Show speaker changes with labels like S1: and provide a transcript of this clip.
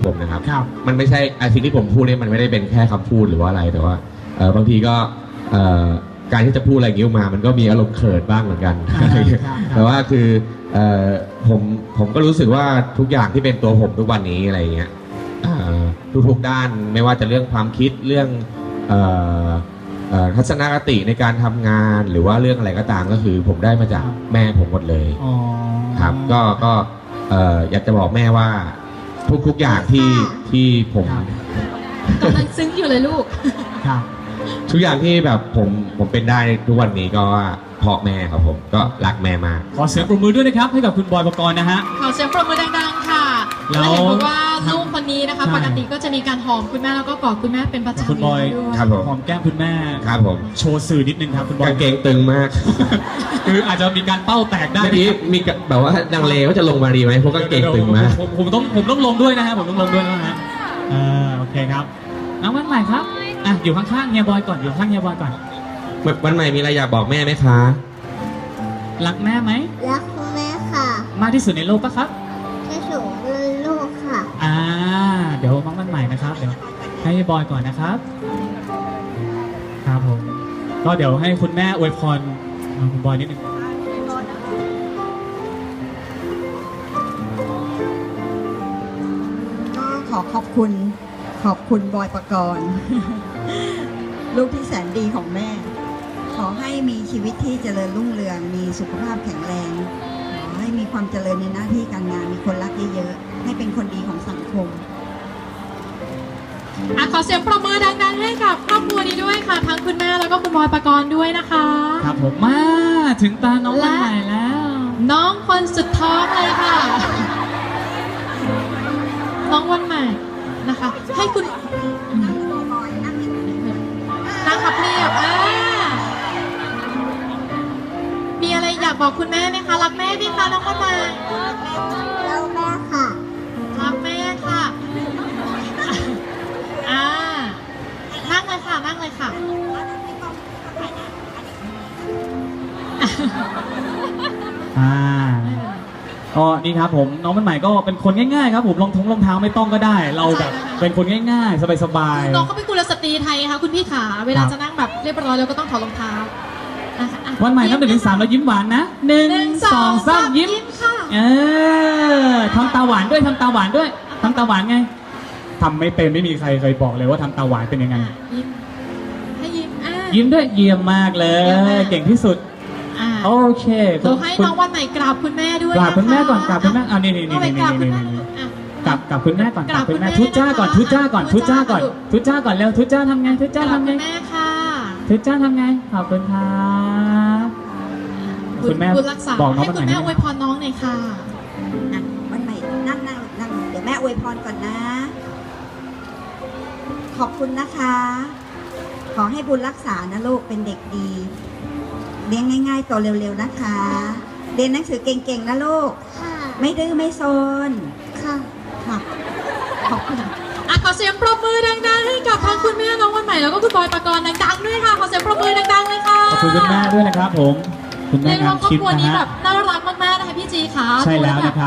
S1: ผมนะครับมันไม่ใช่สิ่งที่ผมพูดเนี่ยมันไม่ได้เป็นแค่คำพูดหรือว่าอะไรแต่ว่าบางทีก็การที่จะพูดอะไรอย่างนี้ออกมามันก็มีอารมณ์เขินบ้างเหมือนกันแต่ว่าคือผมก็รู้สึกว่าทุกอย่างที่เป็นตัวผมทุกวันนี้อะไรอย่างเงี้ยทุกด้านไม่ว่าจะเรื่องความคิดเรื่องทัศนคติในการทำงานหรือว่าเรื่องอะไรก็ตามก็คือผมได้มาจากแม่ผมหมดเลยครับก็อยากจะบอกแม่ว่าทุกอย่างที่ผม
S2: กำลังซึ้งอยู่เลยลูก
S1: ทุกอย่างที่แบบผมเป็นได้ทุกวันนี้ก็เพราะแม่ครับผมก็รักแม่มาก
S3: ขอเสียงปรบมือด้วยนะครับให้กับคุณบอยปกรณ์นะฮะ
S2: ขอเสียงปรบมือดังๆค่ะแล้วเห็นบอกว่าลูกคนนี้นะคะปกติก็จะมีการหอมคุณแม่แล้วก็กอดคุณแม่เป็นประจำ
S3: คุณบอย
S1: ครับผม
S3: หอมแก้มคุณแม่
S1: ครับผม
S3: โชว์สื่อนิดนึงครับคุณบอย
S1: กางเกงตึงมาก
S3: คืออาจจะมีการเป้าแตกได้
S1: เมื่อกี้มีแบบว่าดังเลว่าจะลงมาดีไหมเพราะกางเกงตึงมาก
S3: ผมต้องลงด้วยนะฮะผมต้องลงด้วยนะฮะโอเคครับน้องวันใหม่ครับอยู่ข้างๆเฮียบอยก่อนอยู่ข้างเฮียบอยก่อน
S1: วันใหม่มีอะไรอยากบอกแม่ไหมคะ
S3: รักแม่ไหม
S4: รักคุณแม่ค่ะ
S3: มากที่สุดในโลกปะครับ
S4: ที่สุดในโลกค่ะ
S3: เดี๋ยวน้องวันใหม่นะครับเดี๋ยวให้เฮียบอยก่อนนะครับครับผมก็เดี๋ยวให้คุณแม่อวยพรคุณบอยนิดนึง
S5: ก็ขอบคุณบอยปกรณ์ลูกที่แสนดีของแม่ขอให้มีชีวิตที่เจริญรุ่งเรืองมีสุขภาพแข็งแรงขอให้มีความเจริญในหน้าที่การงานมีคนรักเยอะๆให้เป็นคนดีของสังคม
S2: ขอเสียงปรบมือดังๆให้กับครอบครัวนี้ด้วยค่ะทั้งคุณแม่แล้วก็คุณบอยปกรณ์ด้วยนะคะ
S3: ครับผมมาถึงตาน้องวันใหม่แล้ว
S2: น้องคนสุดท้องเลยค่ะน้องวันใหม่นะคะให้คุณนั่งขับเรียบมีอะไรอยากบอกคุณแม่ไหมคะรักแม่ไหมคะน้องวันใหม่
S4: รักแม่ค่ะ
S2: รักแม่ค่ะนั่งเลยค่ะนั่งเลยค่ะ
S3: ก็นี่ครับผมน้องวันใหม่ก็เป็นคนง่ายๆครับผมรองเท้าไม่ต้องก็ได้เราแบบเป็นคนง่ายๆสบาย
S2: ๆน้องเขาเป็นกุลสตรีไทยค่ะคุณพี่ขาเวลาจะนั่งแบบเรียบร้อยแล้วก็ต้องถอดรองเท้า
S3: วันใหม่นับ1-3แล้วยิ้มหวานนะ1-2-3ยิ้ม
S2: ค่ะ
S3: ทำตาหวานด้วยทำตาหวานด้วยทำตาหวานไงทำไม่เป็นไม่มีใครเคยบอกเลยว่าทำตาหวานเป็นยังไง
S2: ให้
S3: ยิ้มด้วยเยี่ยมมากเลยเก่งที่สุดโอเค
S2: เราให้น้องวันใหม่กราบคุณแม่ด้วย
S3: กราบคุณแม่ก่อนกราบคุณแม่เอานี่กราบคุณแม่ก่อนกราบคุณแม่ทุจ้าก่อนทุจ้าก่อนเร็วทุจ้าทำไงทุจ้าทำไง
S2: แม่ค่ะ
S3: ทุจ้าทำไงขอบคุณครับคุณแม่
S2: บอกน้องวันใหม่ให้คุณแม่อวยพรน้องหน่อยค่ะ
S5: วันใหม่นั่งเดี๋ยวแม่อวยพรก่อนนะขอบคุณนะคะขอให้บุญรักษานะลูกเป็นเด็กดีเลี้ยงง่ายๆโตเร็วๆนะคะเรียนหนังสือเก่งๆนะลูกไม่ดื้อไม่โซนค่ะขอบคุณ
S2: ขอเสียงปรบมือดังๆให้กับทั้งคุณแม่น้องวันใหม่แล้วก็คุณบอยปกรณ์ดังๆด้วยค่ะขอเสียงปรบมือดังๆเลยค่ะ
S3: ขอบคุณคุณแม่ด้วยนะครับผมคุณแม่งามชิดนะฮะ
S2: ครอบครัวนี้แบบน่ารักมากๆนะคะพี่จีค่ะ
S3: ใช่แล้วนะครับ